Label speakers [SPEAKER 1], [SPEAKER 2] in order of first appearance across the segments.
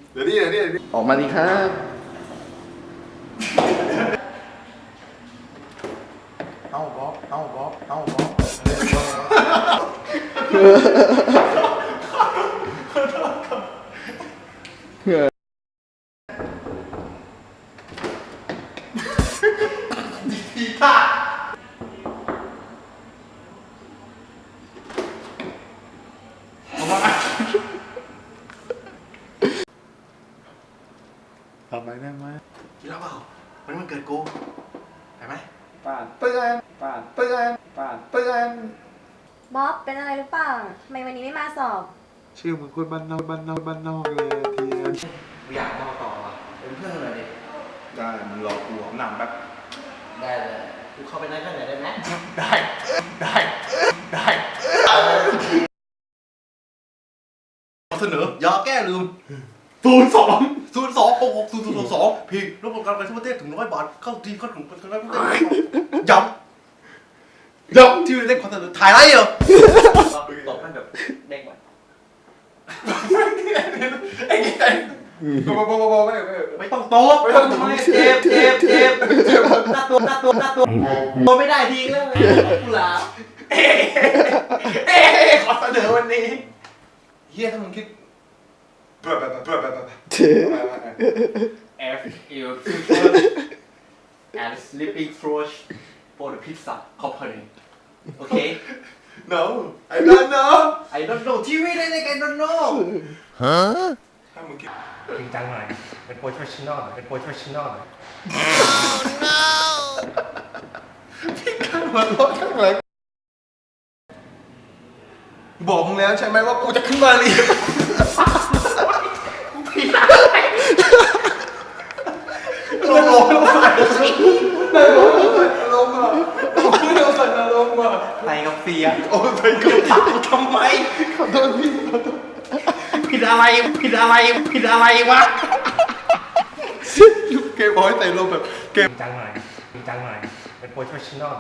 [SPEAKER 1] เดี๋ยวนี้
[SPEAKER 2] ออกมาดีครับ
[SPEAKER 1] เอาบ๊อบดีท่าทำไมได้ไหมคิดแล้วเปล่ามันเกิดกูเห็นไหม
[SPEAKER 2] ป่านเตือน
[SPEAKER 1] บ๊อบ
[SPEAKER 3] เป็นอะไรหรือเปล่าทำไมวันนี้ไม่มาสอบ
[SPEAKER 1] ชื่อมึงคนบ้านนอกเลยเทียน
[SPEAKER 4] อยากมาต่ออ่ะเป็นเพื่อนกันเลยดิ
[SPEAKER 1] ได้มันรอกูหนำแบบ
[SPEAKER 4] ได้เลยกูเข้าไปนั่งกันหน่อยได้ไหม
[SPEAKER 1] ได้เสนอยาแก้ลืม02666002พี่รบกวนการไปทั่วประเทศถึง100 บาทเข้าทีเข้าถึงประเทศย้ำที่เล่นคอนเสิร์ตถ่ายไรเหรอ
[SPEAKER 4] ตบให้แบบเด้งไป
[SPEAKER 1] ไอ้เงี้ยไม่ต้องโต๊ะ
[SPEAKER 4] เจ็บหน้าตัวไม่ได้ทีแล้วกูลา
[SPEAKER 1] ขอเสนอวันนี้เฮียถ้ามึงคิด
[SPEAKER 4] F U and sleeping through for the pizza company okay
[SPEAKER 1] No I don't know
[SPEAKER 4] TV ได้ไง I don't know
[SPEAKER 1] ถ้ามึงคิด
[SPEAKER 5] จริงจังหน่อยเป็นโปรเฟชชั่นอล
[SPEAKER 1] พี่กันหัวเราะข้างหลังบอกมึงแล้วใช่ไหมว่ากูจะขึ้นมาเรียนลง
[SPEAKER 4] ใส่กับเสีย
[SPEAKER 1] โอ้ใส่กับเสีย
[SPEAKER 4] ทำไม
[SPEAKER 1] ขอโทษพี่
[SPEAKER 4] ผิดอะไรวะ
[SPEAKER 1] เกมบอยใส่ลมแบบเกม
[SPEAKER 5] จริงจังหน่อยเป็นโปรเฟชชั่นอล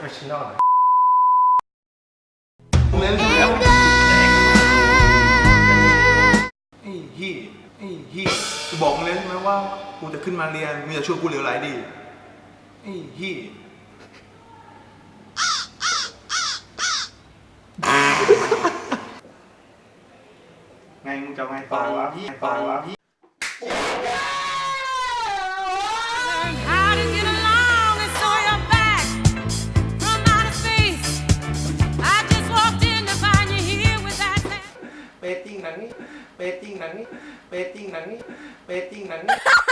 [SPEAKER 1] เล่นแล้วไอ้ฮีกูบอกมึงแล้วใช่ไหมว่ากูจะขึ้นมาเรียนมึงจะชวนกูเหลวไหลดีไอ้ฮีไงมึงจะไงต่อวะ
[SPEAKER 4] เปติ้งหนังนี้